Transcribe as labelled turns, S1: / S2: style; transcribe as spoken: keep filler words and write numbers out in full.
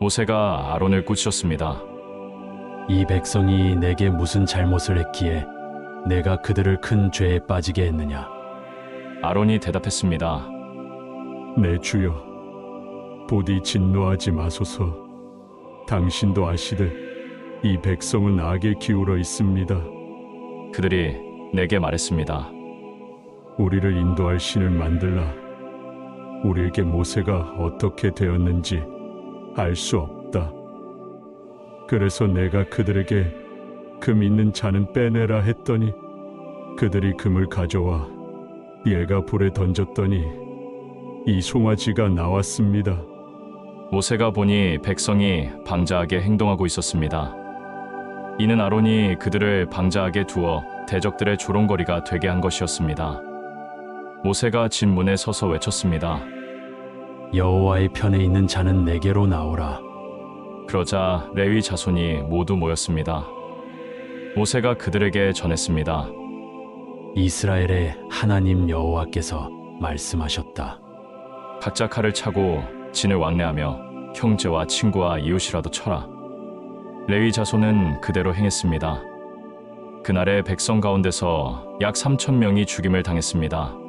S1: 모세가 아론을 꾸짖었습니다.
S2: 이 백성이 내게 무슨 잘못을 했기에 내가 그들을 큰 죄에 빠지게 했느냐?
S1: 아론이 대답했습니다.
S3: 내 주여, 부디 진노하지 마소서. 당신도 아시듯 이 백성은 악에 기울어 있습니다.
S1: 그들이 내게 말했습니다.
S3: 우리를 인도할 신을 만들라. 우리에게 모세가 어떻게 되었는지 알 수 없다. 그래서 내가 그들에게 금 있는 잔은 빼내라 했더니 그들이 금을 가져와 얘가 불에 던졌더니 이 송아지가 나왔습니다.
S1: 모세가 보니 백성이 방자하게 행동하고 있었습니다. 이는 아론이 그들을 방자하게 두어 대적들의 조롱거리가 되게 한 것이었습니다. 모세가 진 문에 서서 외쳤습니다.
S2: 여호와의 편에 있는 자는 내게로 나오라.
S1: 그러자 레위 자손이 모두 모였습니다. 모세가 그들에게 전했습니다.
S2: 이스라엘의 하나님 여호와께서 말씀하셨다.
S1: 각자 칼을 차고 진을 왕래하며 형제와 친구와 이웃이라도 쳐라. 레위 자손은 그대로 행했습니다. 그날의 백성 가운데서 약 삼천 명이 죽임을 당했습니다.